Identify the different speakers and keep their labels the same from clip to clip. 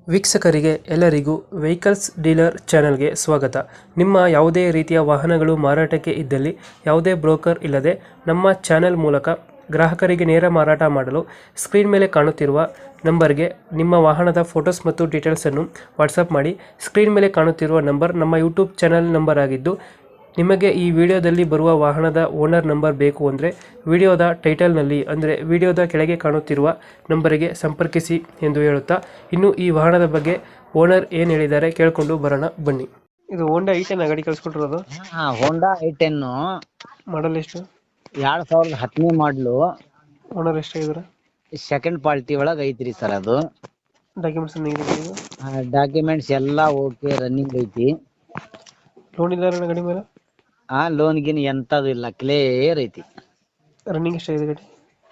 Speaker 1: ವೀಕ್ಷಕರಿಗೆ ಎಲ್ಲರಿಗೂ vehicles dealer ಚಾನೆಲ್ಗೆ ಸ್ವಾಗತ. ನಿಮ್ಮ ಯಾವುದೇ ರೀತಿಯ ವಾಹನಗಳು ಮಾರಾಟಕ್ಕೆ ಇದ್ದಲ್ಲಿ ಯಾವುದೇ ಬ್ರೋಕರ್ ಇಲ್ಲದೆ ನಮ್ಮ ಚಾನೆಲ್ ಮೂಲಕ ಗ್ರಾಹಕರಿಗೆ ನೇರ ಮಾರಾಟ ಮಾಡಲು ಸ್ಕ್ರೀನ್ ಮೇಲೆ ಕಾಣುತ್ತಿರುವ ನಂಬರ್ಗೆ ನಿಮ್ಮ ವಾಹನದ ಫೋಟೋಸ್ ಮತ್ತು ಡೀಟೇಲ್ಸನ್ನು ವಾಟ್ಸಪ್ ಮಾಡಿ. ಸ್ಕ್ರೀನ್ ಮೇಲೆ ಕಾಣುತ್ತಿರುವ ನಂಬರ್ ನಮ್ಮ ಯೂಟ್ಯೂಬ್ ಚಾನೆಲ್ ನಂಬರ್ ಆಗಿದ್ದು, ನಿಮಗೆ ಈ ವಿಡಿಯೋದಲ್ಲಿ ಬರುವ ವಾಹನದ ಓನರ್ ನಂಬರ್ ಬೇಕು ಅಂದರೆ ವಿಡಿಯೋದ ಟೈಟಲ್ನಲ್ಲಿ ಅಂದರೆ ವಿಡಿಯೋದ ಕೆಳಗೆ ಕಾಣುತ್ತಿರುವ ನಂಬರಿಗೆ ಸಂಪರ್ಕಿಸಿ ಎಂದು ಹೇಳುತ್ತಾ, ಇನ್ನು ಈ ವಾಹನದ ಬಗ್ಗೆ ಓನರ್ ಏನು ಹೇಳಿದ್ದಾರೆ ಕೇಳಿಕೊಂಡು ಬರೋಣ ಬನ್ನಿ. ಇದು ಹೋಂಡಾ ಐಟೆನ್ ಗಾಡಿ ಕಳಿಸ್ಕೊಟ್ಟಿರೋದು.
Speaker 2: ಹೋಂಡಾ ಐ10
Speaker 1: ಮಾಡಲ್ ಎಷ್ಟು?
Speaker 2: 2010 ಮಾಡ್ಲು.
Speaker 1: ಓನರ್ ಎಷ್ಟಾಗಿದ್ದಾರೆ?
Speaker 2: ಸೆಕೆಂಡ್ ಪಾರ್ಟಿ ಒಳಗ್ ಐತ್ರಿ ಸರ್. ಅದು
Speaker 1: ಡಾಕ್ಯುಮೆಂಟ್ಸ್
Speaker 2: ಡಾಕ್ಯುಮೆಂಟ್ಸ್ ಎಲ್ಲಾ ಓಕೆ, ರನ್ನಿಂಗ್ ಐತಿ.
Speaker 1: ಲೋನ್ ಇಲ್ಲ ಗಾಡಿ ಮೇಲೆ?
Speaker 2: ಲೋನ್ ಗಿನ್ ಎಂತದು ಇಲ್ಲ, ಕ್ಲಿಯರ್ ಐತಿ.
Speaker 1: ರನ್ನಿಂಗ್ ಎಷ್ಟಾಗಿದೆ ಗಾಡಿ?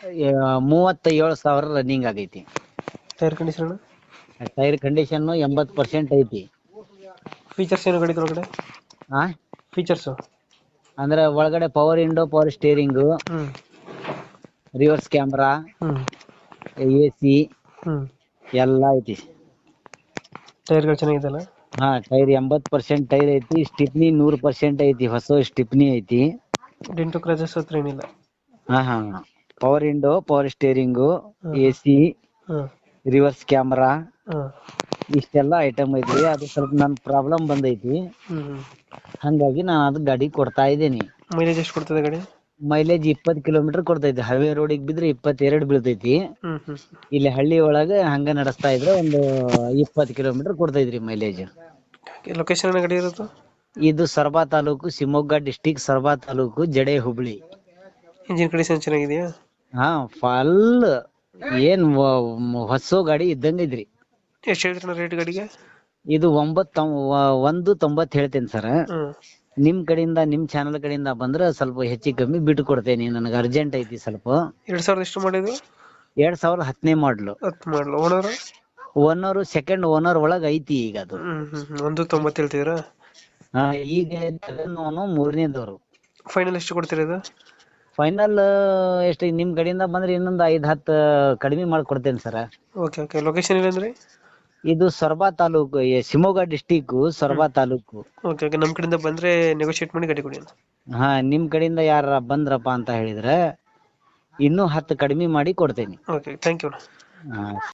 Speaker 2: 37,000 ರನ್ನಿಂಗ್ ಆಗೈತಿ.
Speaker 1: Tyre condition?
Speaker 2: ಟೈರ್ ಕಂಡೀಷನ್ 80% ಐತಿ.
Speaker 1: ಫೀಚರ್ಸ್ ಏನು ಗಾಡಿ ಒಳಗಡೆ? ಫೀಚರ್ಸ್
Speaker 2: ಅಂದ್ರೆ ಒಳಗಡೆ power window, power steering, reverse camera, AC ಎಲ್ಲ ಐತಿ.
Speaker 1: ಟೈರ್ಗಳು ಚೆನ್ನಾಗಿದೆಲ್ಲ?
Speaker 2: ಟೈರ್ 80% ಟೈರ್ ಐತಿ. ಸ್ಟಿಪ್ನಿ 100% ಐತಿ. ಹೊಸ ಸ್ಟಿಪ್ನಿ ಐತಿ.
Speaker 1: ಡೆಂಟು ಕ್ರಾಚಸ್ ಹತ್ರ ಏನಿಲ್ಲ?
Speaker 2: Power window, power steering, AC, reverse camera, ಇಷ್ಟೆಲ್ಲ ಐಟಮ್ ಐತಿ. ಅದು ಸ್ವಲ್ಪ ನನ್ ಪ್ರಾಬ್ಲಮ್ ಬಂದೈತಿ, ಹಂಗಾಗಿ ನಾನು ಅದು ಗಾಡಿ ಕೊಡ್ತಾ ಇದ್ದೀನಿ.
Speaker 1: ಮೈಲೇಜ್ ಎಷ್ಟು ಕೊಡ್ತದೆ ಗಾಡಿ?
Speaker 2: ಮೈಲೇಜ್ 20 ಕಿಲೋಮೀಟರ್ ಕೊಡ್ತೈತಿ. ಹೈವೇ ರೋಡಿಗೆ ಬಿದ್ರೆ 22 ಬೀಳ್ತೈತಿ. ಇಲ್ಲಿ ಹಳ್ಳಿ ಒಳಗ ಹಂಗ ನಡೆಸ್ತಾ ಇದ್ರೆ ಒಂದು 20 ಕಿಲೋಮೀಟರ್ ಕೊಡ್ತೈತ್ರಿ ಮೈಲೇಜ್.
Speaker 1: ಲೊಕೇಶನ್ ಗಾಡಿ ಇರೋದು?
Speaker 2: ಇದು Soraba taluk, Shivamogga district, Soraba taluk, Jade Hubli.
Speaker 1: Engine condition ಚೆನ್ನಾಗಿದೆಯಾ?
Speaker 2: ಫುಲ್ ಏನ್ ಹೊಸ ಗಾಡಿ ಇದ್ದಂಗ ಐತ್ರಿ.
Speaker 1: ಎಷ್ಟು ಹೇಳ್ತೀರ ರೇಟ್ ಗಾಡಿಗೆ?
Speaker 2: ಇದು 190 ಹೇಳ್ತೇನೆ ಸರ್. ನಿಮ್ ಕಡೆಯಿಂದ, ನಿಮ್ ಚಾನಲ್ ಕಡೆಯಿಂದ ಬಂದ್ರೆ ಸ್ವಲ್ಪ ಹೆಚ್ಚಿಗೆ ಕಮ್ಮಿ ಬಿಟ್ಟು ಕೊಡ್ತೇನೆ. ನನಗೆ ಅರ್ಜೆಂಟ್ ಐತಿ ಸ್ವಲ್ಪ.
Speaker 1: 2000 ಎಷ್ಟು ಮಾಡಿದ್ರು?
Speaker 2: 2010 ಮಾಡ್ಲು.
Speaker 1: 10 ಮಾಡಲು. ಓನರ್?
Speaker 2: ಓನರ್ ಸೆಕೆಂಡ್ ಓನರ್ ಒಳಗ್ ಐತಿ ಈಗ ಅದು.
Speaker 1: 190 ಹೇಳ್ತಿದ್ದೀರಾ?
Speaker 2: ಈಗ ಮೂರನೇದವ್ರು.
Speaker 1: ಫೈನಲ್ ಎಷ್ಟು ಕೊಡ್ತೀರಾ ಇದು?
Speaker 2: ಫೈನಲ್ ಎಷ್ಟು ನಿಮ್ ಕಡೆಯಿಂದ ಬಂದ್ರೆ ಇನ್ನೊಂದು 5-10 ಕಡಿಮೆ ಮಾಡ್ಕೊಡ್ತೇನೆ ಸರ್.
Speaker 1: ಓಕೆ. ಲೊಕೇಶನ್ ಇಲ್ಲಂದ್ರೆ?
Speaker 2: ಇದು ಸೊರಬ ತಾಲೂಕು, ಶಿವಮೊಗ್ಗ ಡಿಸ್ಟಿಕ್, ಸೊರಬ ತಾಲೂಕು.
Speaker 1: ಓಕೆ. ನಮ್ ಕಡೆಯಿಂದ ಬಂದ್ರೆ ನೆಗೋಶಿಯೇಟ್ ಮಾಡಿ ಗಾಡಿ ಕೊಡಿ.
Speaker 2: ನಿಮ್ ಕಡೆಯಿಂದ ಯಾರ ಬಂದ್ರಪ್ಪ ಅಂತ ಹೇಳಿದ್ರೆ ಇನ್ನೂ 10 ಕಡಿಮೆ ಮಾಡಿ ಕೊಡ್ತೇನೆ.
Speaker 1: Okay, thank you.